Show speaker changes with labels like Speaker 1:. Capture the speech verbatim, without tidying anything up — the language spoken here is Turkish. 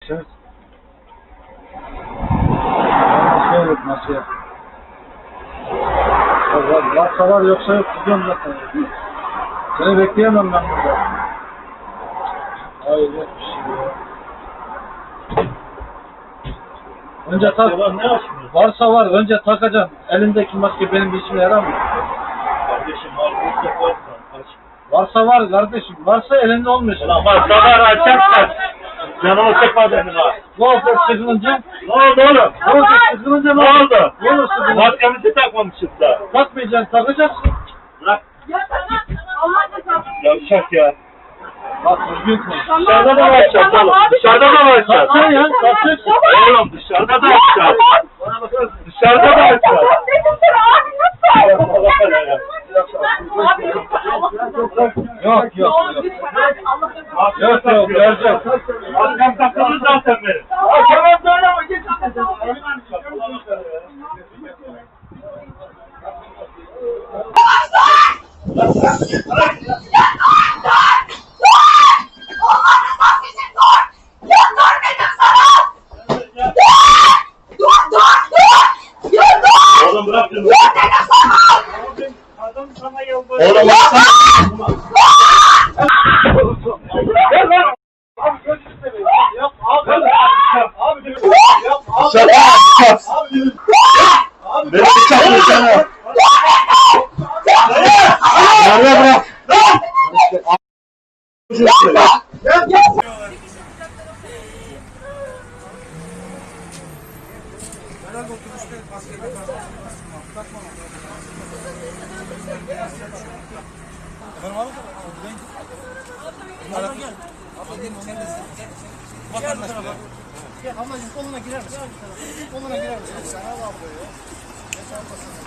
Speaker 1: Evet. Masaya yok masaya. Var, varsa var yoksa yok. Gidiyorum zaten. Seni bekleyemem ben burada. Hayır yok bir şey ya. Önce tak. Varsa var. Önce takacaksın. Elindeki maske benim bir işime yarar mı?
Speaker 2: Kardeşim var. Varsa varsa aç.
Speaker 1: Varsa var kardeşim. Varsa elinde olmayacak.
Speaker 2: Ulan varsa var açarsan. Canımı sıkma benim ha.
Speaker 1: Ne oldu sıkılınca?
Speaker 2: Ne oldu oğlum?
Speaker 1: Ne oldu sıkılınca
Speaker 2: Ne oldu?
Speaker 1: Ne olur sıkılınca?
Speaker 2: Maskemizi takmamışız da.
Speaker 1: Takmayacaksın, takacaksın.
Speaker 2: Bırak.
Speaker 3: Ya tamam. Allah da tamam.
Speaker 2: Yavşak ya.
Speaker 1: Bak düzgün konuş.
Speaker 2: Dışarıda da açacağız oğlum. Dışarıda da açacağız.
Speaker 1: Sen ya, takacaksın.
Speaker 2: Oğlum dışarıda da açacağız. Dışarıda da açacağız.
Speaker 1: Yok yok yok. Yok yok vereceğim.
Speaker 2: Maskem takılır zaten benim.
Speaker 3: Tamam böyle ama geç.
Speaker 2: Oğlum bırak şunu. Adam sana yalvarıyor. Oğlum bırak sana.
Speaker 1: Gel lan. Abi gözünü seveyim. Yap abi. Abi yap abi.
Speaker 2: Şaka yapacağız.
Speaker 1: Abi
Speaker 2: Beni bıçaklıyor sana. Nerede bırak?
Speaker 4: Herhalde otobüste maske takma. Takma. Efendim abi? Bunlardan gel. Abla gel sen de sen. Vatandaş bile. Gel ablacığım koluna girer misin? Koluna girer misin? Sen al ablayı. Geç ablasın.